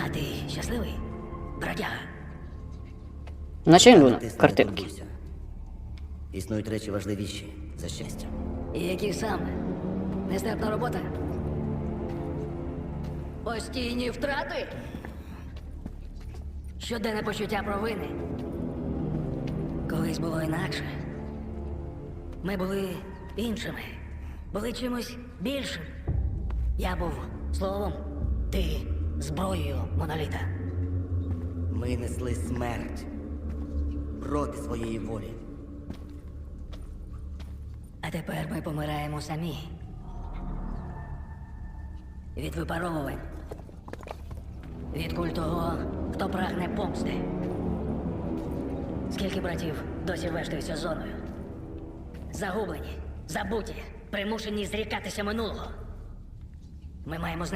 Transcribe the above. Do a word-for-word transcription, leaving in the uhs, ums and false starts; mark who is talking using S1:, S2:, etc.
S1: А ти щасливий, бродяга?
S2: Наче він був на
S3: Ти не
S2: картинки.
S3: турбуйся. Існують речі важливіші за щастя.
S1: І які саме? Нестерпна робота? Постійні втрати? Щоденне почуття провини? Колись було інакше. Ми були іншими. Були чимось більшим. Я був словом, ти зброєю моноліта.
S3: Ми несли смерть проти своєї волі.
S1: А тепер ми помираємо самі. Від випаровувань. Від куль того, хто прагне помсти. Скільки братів досі вештаються зоною? Загублені, забуті, примушені зрікатися минулого. Ми маємо знайти